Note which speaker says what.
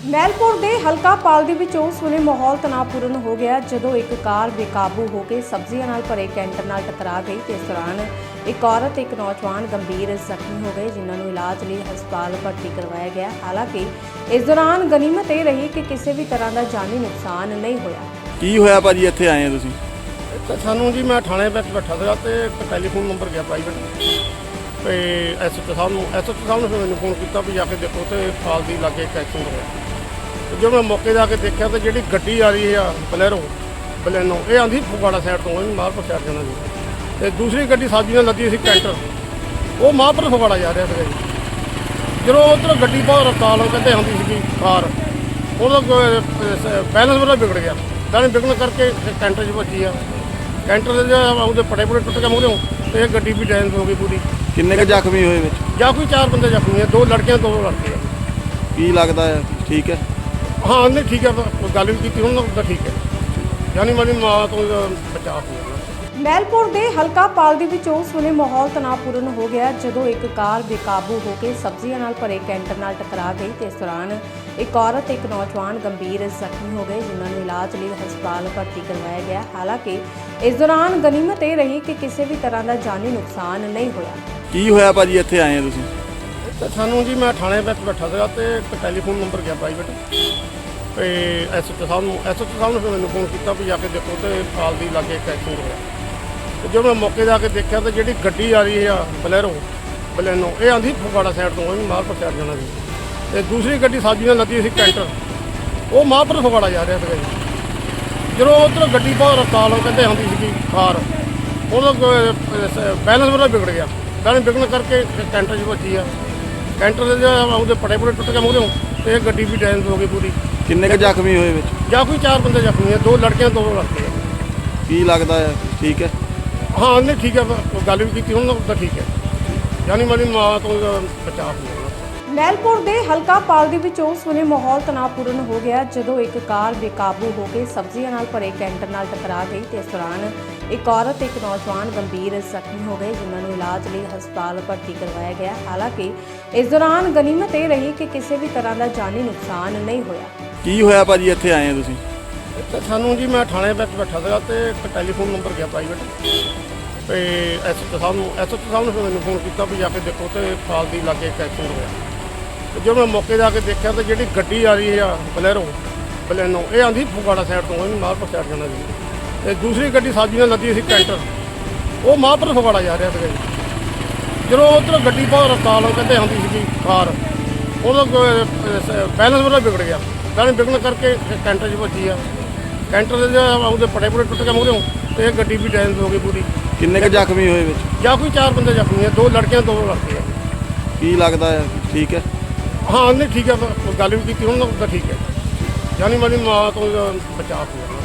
Speaker 1: ਮੈਲਪੁਰ ਦੇ ਹਲਕਾ ਪਾਲ ਦੇ ਵਿੱਚ ਉਸ ਵੇਲੇ ਮਾਹੌਲ ਤਣਾਅਪੂਰਨ ਹੋ ਗਿਆ ਜਦੋਂ ਇੱਕ ਕਾਰ ਬੇਕਾਬੂ ਹੋ ਕੇ ਸਬਜ਼ੀਆਂ ਨਾਲ ਭਰੇ ਕੈਂਟਰ ਨਾਲ ਟਕਰਾ ਗਈ ਤੇ ਇਸ ਦੌਰਾਨ ਇੱਕ ਔਰਤ ਤੇ ਇੱਕ ਨੌਜਵਾਨ ਗੰਭੀਰ ਜ਼ਖਮੀ ਹੋ ਗਏ ਜਿਨ੍ਹਾਂ ਨੂੰ ਇਲਾਜ ਲਈ ਹਸਪਤਾਲ ਭਰਤੀ ਕਰਵਾਇਆ ਗਿਆ। ਹਾਲਾਂਕਿ ਇਸ ਦੌਰਾਨ ਗਨੀਮਤ ਇਹ ਰਹੀ ਕਿ ਕਿਸੇ ਵੀ ਤਰ੍ਹਾਂ ਦਾ ਜਾਨੀ ਨੁਕਸਾਨ ਨਹੀਂ ਹੋਇਆ।
Speaker 2: ਕੀ ਹੋਇਆ ਭਾਜੀ, ਇੱਥੇ ਆਏ ਆ ਤੁਸੀਂ?
Speaker 3: ਸਾਨੂੰ ਜੀ ਮੈਂ ਥਾਣੇ ਵਿੱਚ ਬੈਠਾ ਸੀਗਾ ਤੇ ਇੱਕ ਟੈਲੀਫੋਨ ਨੰਬਰ ਗਿਆ ਪ੍ਰਾਈਵੇਟ ਤੇ ਐਸਐਚਓ ਸਾਹਿਬ ਨੇ ਫਿਰ ਮੈਨੂੰ ਫੋਨ ਕੀਤਾ ਵੀ ਜਾ ਕੇ ਦੇਖੋ ਤੇ ਪਾਲ ਦੀ ਲਾਗੇ ਇੱਕ ਐਕਸੀਡੈਂਟ ਹੋਇਆ। ਤੇ ਜਦੋਂ ਮੈਂ ਮੌਕੇ ਜਾ ਕੇ ਦੇਖਿਆ ਤੇ ਜਿਹੜੀ ਗੱਡੀ ਆ ਰਹੀ ਆ ਬਲੈਨੋ ਇਹ ਆਂਦੀ ਫਗਵਾੜਾ ਸਾਈਡ ਤੋਂ ਇਹ ਮਾਹਪੁਰ ਸਾਈਡ ਜਾਣਾ ਸੀ ਤੇ ਦੂਸਰੀ ਗੱਡੀ ਸਾਜੀ ਨਾਲ ਲੱਦੀ ਸੀ ਕੈਂਟਰ, ਉਹ ਮਾਹਪੁਰ ਫਗਵਾੜਾ ਜਾ ਰਿਹਾ ਸੀਗਾ ਜੀ। ਜਦੋਂ ਉੱਧਰ ਗੱਡੀ ਬਹੁਤ ਰਫਤਾਰ ਨਾਲ ਕਹਿੰਦੇ ਆਉਂਦੀ ਸੀਗੀ ਕਾਰ, ਉਹਦਾ ਬੈਲੈਂਸ ਉਹਦਾ ਵਿਗੜ ਗਿਆ। ਤਾਂ ਵਿਗੜਨ ਕਰਕੇ ਕੈਂਟਰ 'ਚ ਵੱਜੀ ਆ। ਕੈਂਟਰ ਦੇ ਉਹਦੇ ਪਟੇ ਟੁੱਟ ਕੇ ਮੂਹਰਿਓਂ ਤੇ ਇਹ ਗੱਡੀ ਵੀ ਡੈਮੇਜ ਹੋ ਗਈ ਪੂਰੀ।
Speaker 2: ਕਿੰਨੇ ਕੁ ਜ਼ਖਮੀ ਹੋਏ ਵਿੱਚ?
Speaker 3: ਜਾਂ ਕੋਈ 4 ਬੰਦੇ ਜ਼ਖਮੀ ਆ, 2 ਲੜਕੀਆਂ 2 ਲੜਕੇ ਆ।
Speaker 2: ਕੀ ਲੱਗਦਾ ਹੈ ਠੀਕ ਹੈ?
Speaker 3: ਹਾਂ ਨਹੀਂ ਠੀਕ ਹੈ, ਗੱਲ ਵੀ ਕੀਤੀ ਉਹਨਾਂ ਦਾ ਠੀਕ ਹੈ, ਯਾਨੀ ਮੇਰੀ ਮਾਂ ਤੋਂ ਬਚਾਅ ਹੋ ਗਿਆ।
Speaker 1: ਮੈਲਪੁਰ ਦੇ ਹਲਕਾ ਪਾਲ ਦੇ ਵਿੱਚ ਉਸ ਵੇਲੇ ਮਾਹੌਲ ਤਣਾਅਪੂਰਨ ਹੋ ਗਿਆ ਜਦੋਂ ਇੱਕ ਕਾਰ ਬੇਕਾਬੂ ਹੋ ਕੇ ਸਬਜ਼ੀਆਂ ਨਾਲ ਭਰੇ ਕੈਂਟਰ ਨਾਲ ਟਕਰਾ ਗਈ ਤੇ ਇਸ ਦੌਰਾਨ ਇੱਕ ਔਰਤ ਤੇ ਇੱਕ ਨੌਜਵਾਨ ਗੰਭੀਰ ਜ਼ਖਮੀ ਹੋ ਗਏ ਜਿਨ੍ਹਾਂ ਨੂੰ ਇਲਾਜ ਲਈ ਹਸਪਤਾਲ ਭਰਤੀ ਕਰਵਾਇਆ ਗਿਆ। ਹਾਲਾਂਕਿ ਇਸ ਦੌਰਾਨ ਗਨੀਮਤ ਇਹ ਰਹੀ ਕਿ ਕਿਸੇ ਵੀ ਤਰ੍ਹਾਂ ਦਾ ਜਾਨੀ ਨੁਕਸਾਨ ਨਹੀਂ ਹੋਇਆ।
Speaker 2: ਕੀ ਹੋਇਆ ਭਾਜੀ, ਇੱਥੇ ਆਏ ਆ ਤੁਸੀਂ?
Speaker 3: ਸਾਨੂੰ ਜੀ ਮੈਂ ਥਾਣੇ ਵਿੱਚ ਬੈਠਾ ਸੀਗਾ ਤੇ ਇੱਕ ਟੈਲੀਫੋਨ ਨੰਬਰ ਗਿਆ ਪ੍ਰਾਈਵੇਟ ਤੇ ਐਸਐਚਓ ਸਾਹਿਬ ਨੇ ਫਿਰ ਮੈਨੂੰ ਫੋਨ ਕੀਤਾ ਵੀ ਜਾ ਕੇ ਦੇਖੋ ਤੇ ਪਾਲ ਦੀ ਲਾਗੇ ਇੱਕ ਐਕਸੀਡੈਂਟ ਹੋਇਆ। ਤੇ ਜਦੋਂ ਮੈਂ ਮੌਕੇ ਜਾ ਕੇ ਦੇਖਿਆ ਤੇ ਜਿਹੜੀ ਗੱਡੀ ਆ ਰਹੀ ਆ ਬਲੈਨੋ ਇਹ ਆਂਦੀ ਫਗਵਾੜਾ ਸਾਈਡ ਤੋਂ ਇਹ ਮਾਹਪੁਰ ਸਾਈਡ ਜਾਣਾ ਸੀ ਤੇ ਦੂਸਰੀ ਗੱਡੀ ਸਾਜੀ ਨਾਲ ਲੱਦੀ ਸੀ ਕੈਂਟਰ, ਉਹ ਮਾਹਪੁਰ ਫਗਵਾੜਾ ਜਾ ਰਿਹਾ ਸੀਗਾ ਜੀ। ਜਦੋਂ ਉੱਧਰ ਗੱਡੀ ਬਹੁਤ ਰਫਤਾਰ ਨਾਲ ਕਹਿੰਦੇ ਆਉਂਦੀ ਸੀਗੀ ਕਾਰ, ਉਹਦਾ ਬੈਲੈਂਸ ਉਹਦਾ ਵਿਗੜ ਗਿਆ। ਤਾਂ ਵਿਗੜਨ ਕਰਕੇ ਕੈਂਟਰ 'ਚ ਵੱਜੀ ਆ। ਕੈਂਟਰ ਦੇ ਉਹਦੇ ਪਟੇ ਟੁੱਟ ਕੇ ਮੂਹਰਿਓਂ ਤੇ ਇਹ ਗੱਡੀ ਵੀ ਡੈਮੇਜ ਹੋ ਗਈ ਪੂਰੀ।
Speaker 2: ਕਿੰਨੇ ਕੁ ਜ਼ਖਮੀ ਹੋਏ ਵਿੱਚ?
Speaker 3: ਜਾਂ ਕੋਈ 4 ਬੰਦੇ ਜ਼ਖਮੀ ਆ, 2 ਲੜਕੀਆਂ 2 ਲੜਕੇ ਆ।
Speaker 2: ਕੀ ਲੱਗਦਾ ਹੈ ਠੀਕ ਹੈ?
Speaker 3: ਹਾਂ ਨਹੀਂ ਠੀਕ ਹੈ, ਗੱਲ ਵੀ ਕੀਤੀ ਉਹਨਾਂ ਦਾ ਠੀਕ ਹੈ, ਯਾਨੀ ਮੇਰੀ ਮਾਂ ਤੋਂ ਬਚਾਅ ਹੋ ਗਿਆ।
Speaker 1: ਮੈਲਪੁਰ ਦੇ ਹਲਕਾ ਪਾਲ ਦੇ ਵਿੱਚ ਉਸ ਵੇਲੇ ਮਾਹੌਲ ਤਣਾਅਪੂਰਨ ਹੋ ਗਿਆ ਜਦੋਂ ਇੱਕ ਕਾਰ ਬੇਕਾਬੂ ਹੋ ਕੇ ਸਬਜ਼ੀਆਂ ਨਾਲ ਭਰੇ ਕੈਂਟਰ ਨਾਲ ਟਕਰਾ ਗਈ ਤੇ ਇਸ ਦੌਰਾਨ ਇੱਕ ਔਰਤ ਤੇ ਇੱਕ ਨੌਜਵਾਨ ਗੰਭੀਰ ਜ਼ਖਮੀ ਹੋ ਗਏ ਜਿਨ੍ਹਾਂ ਨੂੰ ਇਲਾਜ ਲਈ ਹਸਪਤਾਲ ਭਰਤੀ ਕਰਵਾਇਆ ਗਿਆ। ਹਾਲਾਂਕਿ ਇਸ ਦੌਰਾਨ ਗਨੀਮਤ ਇਹ ਰਹੀ ਕਿ ਕਿਸੇ ਵੀ ਤਰ੍ਹਾਂ ਦਾ ਜਾਨੀ ਨੁਕਸਾਨ ਨਹੀਂ ਹੋਇਆ।
Speaker 2: ਕੀ ਹੋਇਆ ਭਾਜੀ, ਇੱਥੇ ਆਏ ਆ ਤੁਸੀਂ?
Speaker 3: ਸਾਨੂੰ ਜੀ ਮੈਂ ਥਾਣੇ ਵਿੱਚ ਬੈਠਾ ਸੀਗਾ ਤੇ ਇੱਕ ਟੈਲੀਫੋਨ ਨੰਬਰ ਗਿਆ ਪ੍ਰਾਈਵੇਟ ਤੇ ਐਸਐਚਓ ਸਾਹਿਬ ਨੇ ਫਿਰ ਮੈਨੂੰ ਫੋਨ ਕੀਤਾ ਵੀ ਜਾ ਕੇ ਦੇਖੋ ਤੇ ਪਾਲ ਦੀ ਲਾਗੇ ਇੱਕ ਐਕਸੀਡੈਂਟ ਹੋਇਆ। ਤੇ ਜਦੋਂ ਮੈਂ ਮੌਕੇ ਜਾ ਕੇ ਦੇਖਿਆ ਤੇ ਜਿਹੜੀ ਗੱਡੀ ਆ ਰਹੀ ਆ ਬਲੈਨੋ ਇਹ ਆਂਦੀ ਫਗਵਾੜਾ ਸਾਈਡ ਤੋਂ ਇਹ ਮਾਹਪੁਰ ਸਾਈਡ ਜਾਣਾ ਸੀ ਤੇ ਦੂਸਰੀ ਗੱਡੀ ਸਾਜੀ ਨਾਲ ਲੱਦੀ ਸੀ ਕੈਂਟਰ, ਉਹ ਮਾਹਪੁਰ ਫਗਵਾੜਾ ਜਾ ਰਿਹਾ ਸੀਗਾ ਜੀ। ਜਦੋਂ ਉੱਧਰ ਗੱਡੀ ਬਹੁਤ ਰਫਤਾਰ ਨਾਲ ਕਹਿੰਦੇ ਆਉਂਦੀ ਸੀਗੀ ਕਾਰ, ਉਹਦਾ ਬੈਲੈਂਸ ਉਹਦਾ ਵਿਗੜ ਗਿਆ। ਤਾਂ ਵਿਗੜਨ ਕਰਕੇ ਕੈਂਟਰ 'ਚ ਵੱਜੀ ਆ। ਕੈਂਟਰ ਦੇ ਉਹਦੇ ਪਟੇ ਟੁੱਟ ਕੇ ਮੂਹਰਿਓਂ ਤੇ ਇਹ ਗੱਡੀ ਵੀ ਡੈਮੇਜ ਹੋ ਗਈ ਪੂਰੀ।
Speaker 2: ਕਿੰਨੇ ਕੁ ਜ਼ਖਮੀ ਹੋਏ ਵਿੱਚ?
Speaker 3: ਜਾਂ ਕੋਈ 4 ਬੰਦੇ ਜ਼ਖਮੀ ਆ, 2 ਲੜਕੀਆਂ 2 ਲੜਕੇ ਆ।
Speaker 2: ਕੀ ਲੱਗਦਾ ਹੈ ਠੀਕ ਹੈ?
Speaker 3: ਹਾਂ ਨਹੀਂ ਠੀਕ ਹੈ, ਗੱਲ ਵੀ ਕੀਤੀ ਉਹਨਾਂ ਦਾ ਠੀਕ ਹੈ, ਯਾਨੀ ਮੇਰੀ ਮਾਂ ਤੋਂ ਬਚਾਅ ਹੋ ਗਿਆ।